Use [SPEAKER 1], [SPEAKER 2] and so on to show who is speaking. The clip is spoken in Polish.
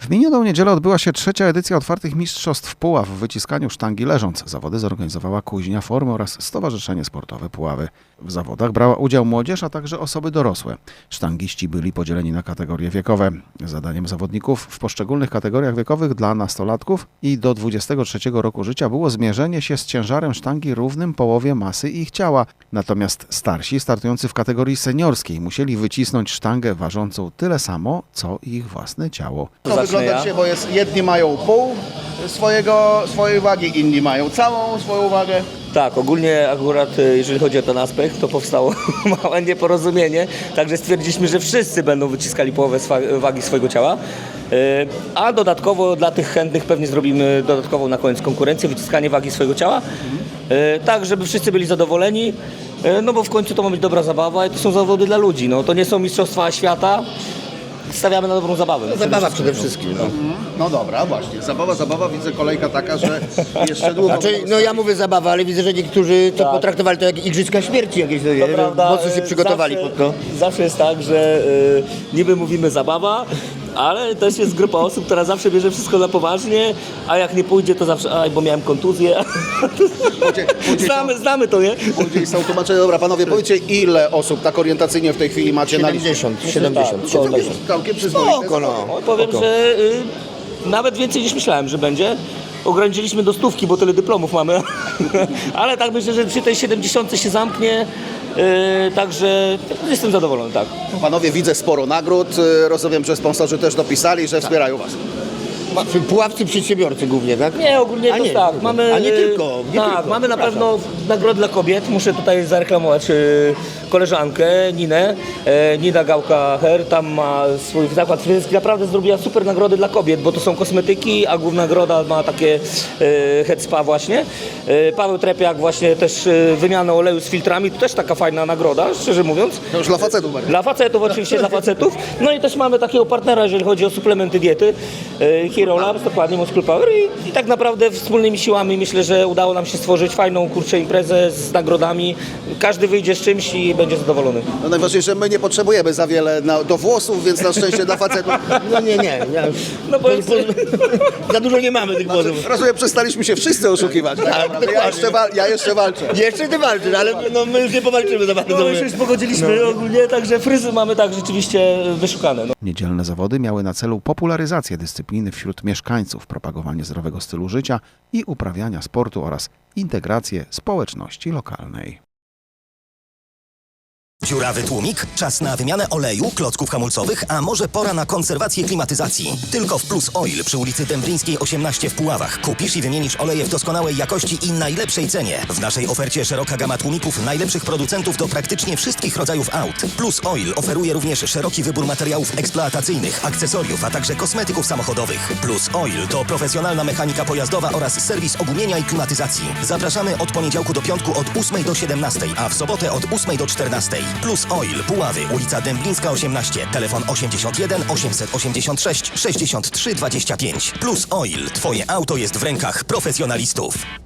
[SPEAKER 1] W minioną niedzielę odbyła się trzecia edycja otwartych mistrzostw Puław w wyciskaniu sztangi leżąc. Zawody zorganizowała Kuźnia Formy oraz Stowarzyszenie Sportowe Puławy. W zawodach brała udział młodzież, a także osoby dorosłe. Sztangiści byli podzieleni na kategorie wiekowe. Zadaniem zawodników w poszczególnych kategoriach wiekowych dla nastolatków i do 23 roku życia było zmierzenie się z ciężarem sztangi równym połowie masy ich ciała. Natomiast starsi, startujący w kategorii seniorskiej, musieli wycisnąć sztangę ważącą tyle samo, co ich własne ciało.
[SPEAKER 2] To wygląda dzisiaj, bo jedni mają pół swojej wagi, inni mają całą swoją wagę.
[SPEAKER 3] Tak, ogólnie akurat jeżeli chodzi o ten aspekt, to powstało małe nieporozumienie, także stwierdziliśmy, że wszyscy będą wyciskali połowę wagi swojego ciała, a dodatkowo dla tych chętnych pewnie zrobimy dodatkową na koniec konkurencję, wyciskanie wagi swojego ciała, tak żeby wszyscy byli zadowoleni, no bo w końcu to ma być dobra zabawa i to są zawody dla ludzi, no to nie są mistrzostwa świata. Stawiamy na dobrą zabawę.
[SPEAKER 4] Zabawa przede wszystkim.
[SPEAKER 2] No dobra, właśnie. Zabawa, widzę kolejka taka, że jeszcze długo...
[SPEAKER 4] Znaczy, no ja mówię zabawa, ale widzę, że niektórzy to potraktowali to jak igrzyska śmierci jakieś,
[SPEAKER 3] To prawda,
[SPEAKER 4] mocno się przygotowali
[SPEAKER 3] zawsze,
[SPEAKER 4] pod to.
[SPEAKER 3] Zawsze jest tak, że niby mówimy zabawa, ale też jest grupa osób, która zawsze bierze wszystko na poważnie, a jak nie pójdzie, to zawsze, bo miałem kontuzję. Znamy to, nie?
[SPEAKER 2] Później są tłumaczenia. Dobra, panowie, powiedzcie, ile osób tak orientacyjnie w tej chwili macie na liście?
[SPEAKER 4] 70.
[SPEAKER 2] Całkiem przyzwoite.
[SPEAKER 4] Spoko, no.
[SPEAKER 3] Powiem, że nawet więcej niż myślałem, że będzie. Ograniczyliśmy do 100, bo tyle dyplomów mamy. Ale tak myślę, że przy tej 70 się zamknie. Także jestem zadowolony, tak.
[SPEAKER 2] Panowie, widzę sporo nagród. Rozumiem, że sponsorzy też dopisali, że wspierają was.
[SPEAKER 4] Puławcy przedsiębiorcy głównie, tak?
[SPEAKER 3] Nie, ogólnie
[SPEAKER 4] A
[SPEAKER 3] to
[SPEAKER 4] nie,
[SPEAKER 3] tak. Mamy,
[SPEAKER 4] a nie tylko.
[SPEAKER 3] tak, mamy na pewno nagrody dla kobiet. Muszę tutaj zareklamować koleżankę Ninę. Nina Gałka-Her, tam ma swój zakład fryzjerski. Naprawdę zrobiła super nagrody dla kobiet, bo to są kosmetyki, a główna nagroda ma takie head spa właśnie. Paweł Trepiak właśnie też wymianę oleju z filtrami. To też taka fajna nagroda, szczerze mówiąc.
[SPEAKER 2] To już dla facetów bardziej.
[SPEAKER 3] Dla facetów, oczywiście dla facetów. No i też mamy takiego partnera, jeżeli chodzi o suplementy diety. Hero Labs, dokładnie Muscle Power i tak naprawdę wspólnymi siłami myślę, że udało nam się stworzyć fajną imprezę z nagrodami. Każdy wyjdzie z czymś i będzie zadowolony.
[SPEAKER 2] No najważniejsze, my nie potrzebujemy za wiele do włosów, więc na szczęście dla facetów.
[SPEAKER 4] No nie. Ja już,
[SPEAKER 3] No bo
[SPEAKER 4] za dużo nie mamy tych włosów.
[SPEAKER 2] Rozumiem, przestaliśmy się wszyscy oszukiwać. Ja jeszcze walczę.
[SPEAKER 4] Jeszcze ty walczysz, ale no, my już nie powalczymy za bardzo.
[SPEAKER 3] no, my się już pogodziliśmy ogólnie, także fryzy mamy tak rzeczywiście wyszukane. No.
[SPEAKER 1] Niedzielne zawody miały na celu popularyzację dyscypliny wśród mieszkańców, propagowanie zdrowego stylu życia i uprawiania sportu oraz integrację społeczności lokalnej.
[SPEAKER 5] Dziurawy tłumik? Czas na wymianę oleju, klocków hamulcowych, a może pora na konserwację klimatyzacji. Tylko w Plus Oil przy ulicy Dęblińskiej 18 w Puławach. Kupisz i wymienisz oleje w doskonałej jakości i najlepszej cenie. W naszej ofercie szeroka gama tłumików najlepszych producentów do praktycznie wszystkich rodzajów aut. Plus Oil oferuje również szeroki wybór materiałów eksploatacyjnych, akcesoriów, a także kosmetyków samochodowych. Plus Oil to profesjonalna mechanika pojazdowa oraz serwis ogumienia i klimatyzacji. Zapraszamy od poniedziałku do piątku od 8 do 17, a w sobotę od 8 do 14. Plus Oil, Puławy, ulica Dęblińska 18, telefon 81 886 63 25. Plus Oil, twoje auto jest w rękach profesjonalistów.